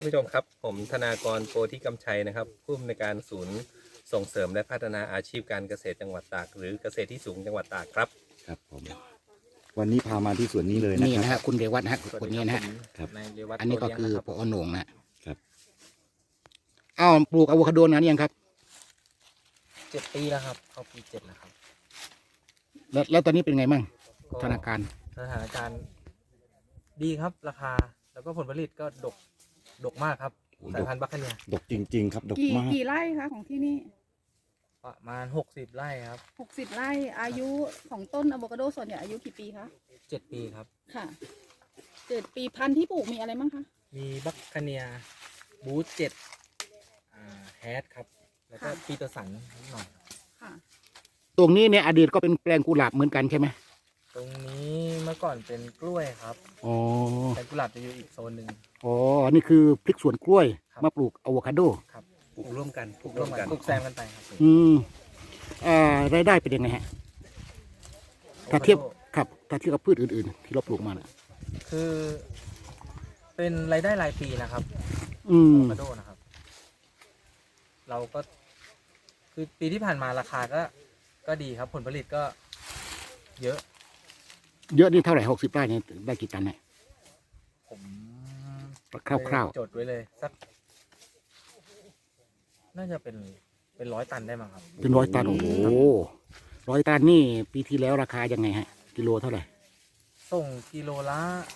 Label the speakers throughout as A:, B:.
A: ท่านผู้ชมครับผมธนากรโพธิกำชัยนะครับผู้อำนวยการศูนย์ส่งเสริมและพัฒนาอาชีพการเกษตรจังหวัดตากหรือเกษตรที่สูงจังหวัดตากครับ
B: ครับผมวันนี้พามาที่สวนนี้เลยนะ
C: นี่
B: ครับ
C: นะฮะคุณเรวัตนะฮะคนนี้นะฮะ
B: ครับ
A: นายเรวัต
C: อันนี้ก็
A: โต
C: คือ
A: เลี้ยง
C: ป
A: นะ
C: อโหน่งนะ
B: ครับ
C: อ้าวปลูกอะโวคาโดนานยังครับ
A: 7 ปีแล้วครับเข้าปี 7แล้วครับ
C: แล้วตอนนี้เป็นไงมั่ง
A: ก็
C: ธนาคาร
A: สถานการณ์ดีครับราคาแล้วก็ผลผลิตก็ดกมากครับสายพันธุ์บัคคาเนีย
B: ดกจริงๆครับดก
D: กี่
B: มาก
D: กี่ไร่คะของที่นี่
A: ประมาณ60 ไร่ครับ
D: 60 ไร่อายุของต้นอะโวคาโดส่วนใหญ่อายุกี่ปีคะ
A: 7 ปีครับ
D: ค่ะ7 ปีพันธุ์ที่ปลูกมีอะไรบ้างคะ
A: มีบัคคาเนียบูธ7แฮดครับแล้วก็ปีเตอร์สันนิดหน่อย
D: ค่ะ
C: ตรงนี้เนี่ยอดีตก็เป็นแปลงกุหลาบเหมือนกันใช่ไหม
A: ตรงนี้เมื่อก่อนเป็นกล้วยครับ
C: อ๋อ
A: แต่กุหลาบจะอยู่อีกโซนหนึ่ง
C: อ๋อนี่คือพริกสวนกล้วย
A: ครับ
C: มาปลูกอะโวคาโด
A: ครับ
E: ปลูกร่วมกัน
A: ปลูกร่วมกันปลูกแซมกันไปครับ
C: อืมรายได้เป็นยังไงฮะถ้าเทียบครับถ้าเทียบกับพืชอื่นๆ ที่เราปลูกมานะ
A: คือเป็นรายได้รายปีนะครับ
C: อืม
A: อะโวคาโดนะครับ เราก็คือปีที่ผ่านมาราคาก็ดีครับ ผลผลิตก็เยอะ
C: เยอะนี่เท่าไหร่60 ไร่เนี่ยได้กี่ตันเนี่ย
A: ผม
C: คร่าว
A: จดไว้เลยสัก น่าจะเป็น100 ตันได้มั้งครับ
C: ๆเป็น100 ตันโอ้โห100 ตันนี่ปีที่แล้วราคายังไงฮะกิโลเท่าไหร่
A: ส่งกิโลละ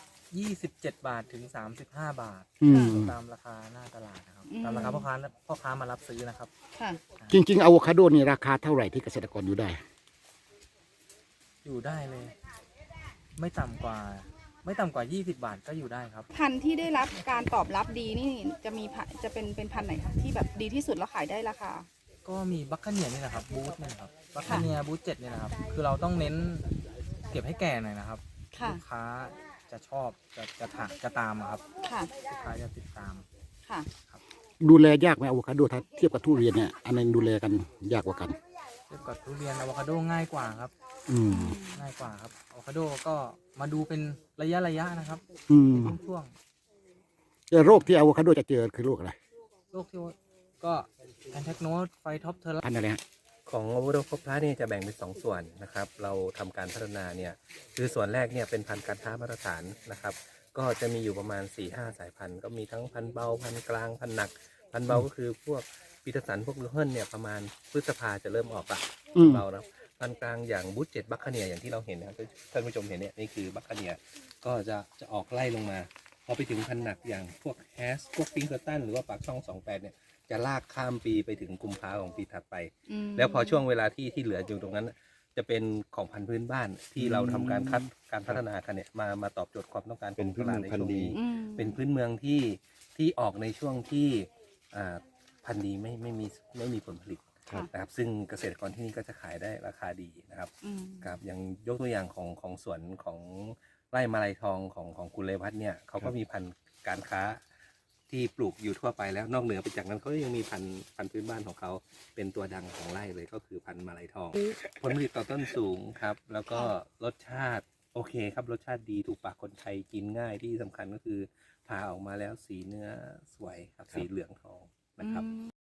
A: 27 บาทถึง35 บาท
C: อืม
A: ตามราคาหน้าตลาดนะครับตามราคาพ่อค้ามารับซื้อนะครับ
D: ค่ะ
C: จริงๆอะโวคาโดนี่ราคาเท่าไหร่ที่เกษตรกรอยู่ได้
A: อยู่ได้เลย ไม่ต่ำกว่า20 บาทก็อยู่ได้ครับ
D: พันธุ์ที่ได้รับการตอบรับดีนี่จะเป็นพันธุ์ไหนคะที่แบบดีที่สุดแล้วขายได้ราคา
A: ก็มีบัคคาเนียนี่นะครับบูธนี่นะครับบัคคาเนียบูธ7เนี่ยนะครับ คือเราต้องเน้นเก็บให้แก่หน่อยนะครับ
D: ค่ะ
A: ลูกค้าจะชอบจะตามอะครับ
D: ค่ะ
A: ลูกค้าจะติดตาม
D: ค่ะ
C: ดูแลยากไหมอะโวคาโดถ้าเทียบกับทุเรียนเนี่ยอันไหนดูแลกันยากกว่ากัน
A: เทียบกับทุเรียนอะโวคาโดง่ายกว่าครับ
C: อืม
A: ง่ายกว่าครับอะโวคาโดก็มาดูเป็นระยะนะครับ
C: อืม
A: เป็นช่วง
C: แต่โรคที่อะโวคาโดจะเจอคือโรคอะไร
A: ๆโรคที่ว่าก็แอนแทกโนสไฟท็อปเทอร์
C: พันธุ์อะไรฮะ
E: ของอะโวคาโดครบพลัสเนี่ยจะแบ่งเป็น2 ส่วนนะครับเราทำการพัฒนาเนี่ยคือส่วนแรกเนี่ยเป็นพันธุ์การค้ามาตรฐานนะครับก็จะมีอยู่ประมาณ 4-5 สายพันธุ์ก็มีทั้งพันธุ์เบาพันธุ์กลางพันธุ์หนักพันธุ์เบาก็คือพวกปีเตอร์สันพวกลูเฮิลเนี่ยประมาณพฤษภาจะเริ่มออกละ
C: อืม
E: เบานะพันธุ์กลางอย่างบูธ7บัคคาเนียอย่างที่เราเห็นนะครับท่านผู้ชมเห็นเนี่ยนี่คือบัคคาเนียก็จะออกไล่ลงมาพอไปถึงพันธุ์หนักอย่างพวกแฮสพวกปิงเกอร์ตันหรือว่าปากช่อง28เนี่ยจะลากข้ามปีไปถึงกุมภาของปีถัดไป แล้วพอช่วงเวลาที่เหลืออยู่ตรงนั้น จะเป็นของพันธุ์พื้นบ้านที่เราทำการการพัฒนากันเนี่ยมาตอบโจทย์ความต้องการ
B: เป็นพื้นเมืองพันธุ์ดี
E: เป็นพื้นเมืองที่ออกในช่วงที่พันธุ์ดีไม่มีผลผลิต
B: ครับ
E: นะครับซึ่งเกษตรกรที่นี่ก็จะขายได้ราคาดีนะครับ
D: อืม
E: ครับอย่างยกตัวอย่างของสวนของไร่มาลัยทองของคุณเลวัฒน์เนี่ยเขาก็มีพันธุ์การค้าที่ปลูกอยู่ทั่วไปแล้วนอกเหนือไปจากนั้นเขายังมีพันธุ์พื้นบ้านของเขาเป็นตัวดังของไร่เลยก็คือพันธุ์มาลัยทอง ผลผลิตต่อต้นสูงครับ แล้วก็รสชาติโอเคครับรสชาติดีถูกปากคนไทยกินง่ายที่สำคัญก็คือผ่าออกมาแล้วสีเนื้อสวยครับสีเหลืองทองนะครับ